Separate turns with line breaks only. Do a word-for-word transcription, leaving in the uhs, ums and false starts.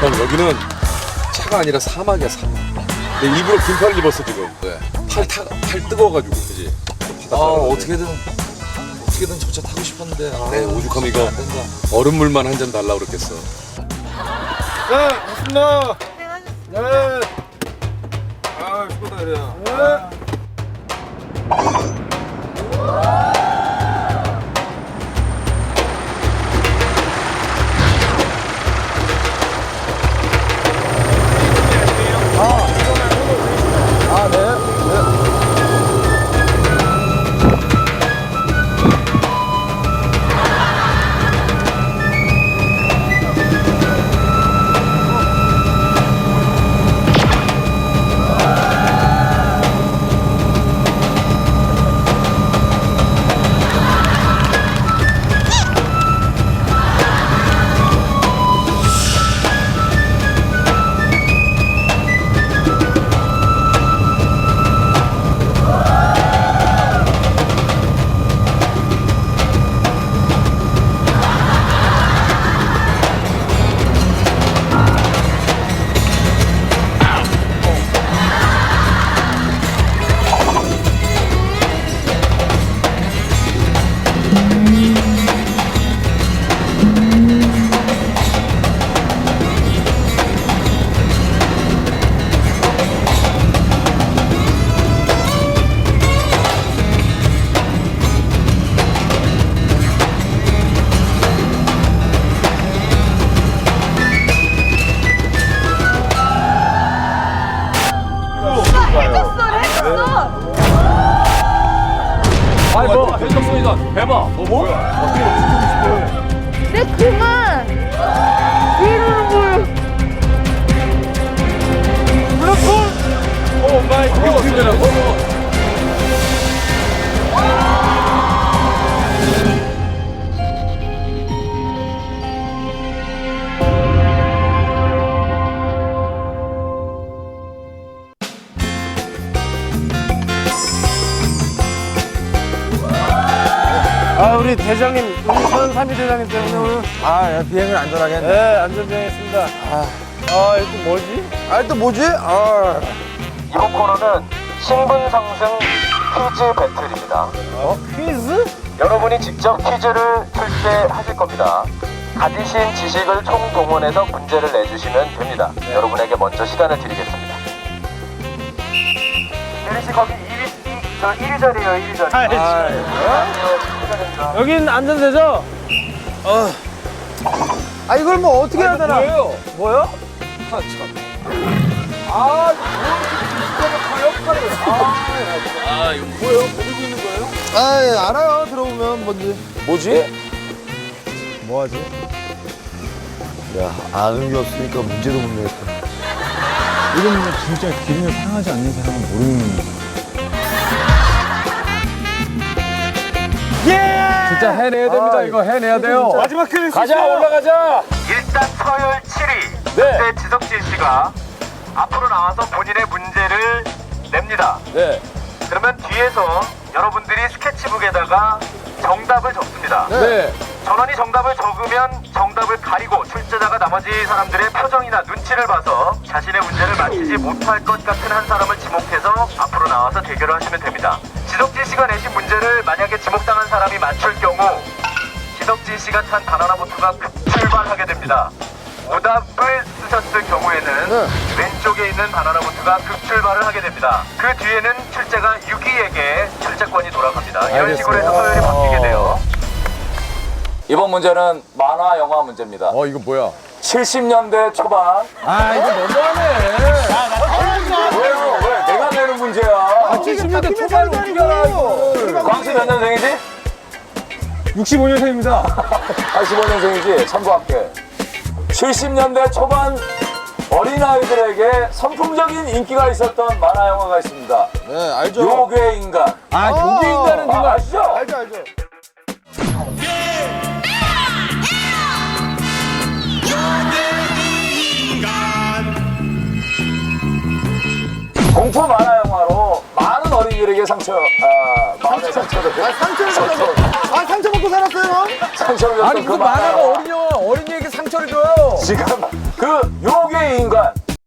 형 여기는 차가 아니라 사막이야 사막. 내 일부러 긴팔을 입었어 지금.
왜?
팔, 타, 팔 뜨거워가지고 그지?
아 어떻게든 어떻게든 저 차 타고 싶었는데. 아,
네 오죽하면 이거
안 된다.
얼음물만 한 잔 달라 그랬겠어.
네, 맞습니다. 네. 아, 수고다 그래요. 네. 아, 네. 네.
아니 뭐 해줬으니까 해봐. 뭐 뭐?
네 그만 이러는 걸
오 마이 갓. 이거 어떻게 되라고?
아, 우리 대장님, 우리 서현삼이 대장님 때문에 오늘
아 야, 비행을 안전하게 했네.
네, 안전비행했습니다. 아, 아, 이거 또 뭐지?
아 또 뭐지? 아
이번 코너는 신분 상승 퀴즈 배틀입니다.
어? 퀴즈?
여러분이 직접 퀴즈를 출제하실 겁니다. 가지신 지식을 총동원해서 문제를 내주시면 됩니다. 여러분에게 먼저 시간을 드리겠습니다. 유리 씨 거기 이 위, 저 일 위 자리에요, 일 위 자리.
아,
아, 일 위 자리입니다.
여긴 안전되죠?
아 이걸 뭐 어떻게 해야 되나?
뭐예요? 뭐요?
아 참.
아, 뭐 역할을.
아 이거 뭐예요? 모르고 있는 거예요?
아 예, 알아요. 들어보면 뭔지.
뭐지?
뭐하지? 야 아는 게 없으니까 문제도 못 내겠다.
이건 진짜 기름을 사용하지 않는 사람은 모르는
예!
진짜 해내야 됩니다. 이거 해내야 돼요.
마지막 퀴즈.
가자 올라가자.
일단 서열 칠 위.
네.
그때 지석진 씨가 앞으로 나와서 본인의 문제를 냅니다.
네.
그러면 뒤에서 여러분들이 스케치북에다가 정답을 적습니다.
네.
전원이 정답을 적으면 정답을 가리고 출제자가 나머지 사람들의 표정이나 눈치를 봐서 자신의 문제를 맞히지 못할 것 같은 한 사람을 지목해서 앞으로 나와서 대결을 하시면 됩니다. 지석진 씨가 내신 문제를 만약에 지목당한 사람이 맞출 경우 지석진 씨가 탄 바나나 보트가 급출발하게 됩니다. 오답을 쓰셨을 경우에는
네.
왼쪽에 있는 바나나 보트가 급출발을 하게 됩니다. 그 뒤에는 출제가 육 위에게 출제권이 돌아갑니다. 이런 식으로 해서 서열이 바뀌게 돼요.
이번 문제는 만화 영화 문제입니다.
어 이거 뭐야?
칠십 년대 초반.
아, 이거 너무하네.
왜요? 왜? 내가 내는 문제야.
칠십 년대 초반을 어떻게 알아, 이거.
광수 몇 년생이지?
육십오 년생입니다.
팔십오 년생이지? 참고할게. 칠십 년대 초반 어린아이들에게 선풍적인 인기가 있었던 만화 영화가 있습니다.
네 알죠.
요괴 인간.
아, 요게 인간은
아,
누가?
아시죠?
알죠 알죠.
공포 만화 영화로 많은 어린이들에게 상처, 아, 마음의 상처를,
아 상처를 받고 아 상처 받고 살았어요 형?
상처를 줬던
아니,
그
그
만화
만화가
영화.
어린 영화, 어린이에게 상처를 줘요.
지금 그 요괴 인간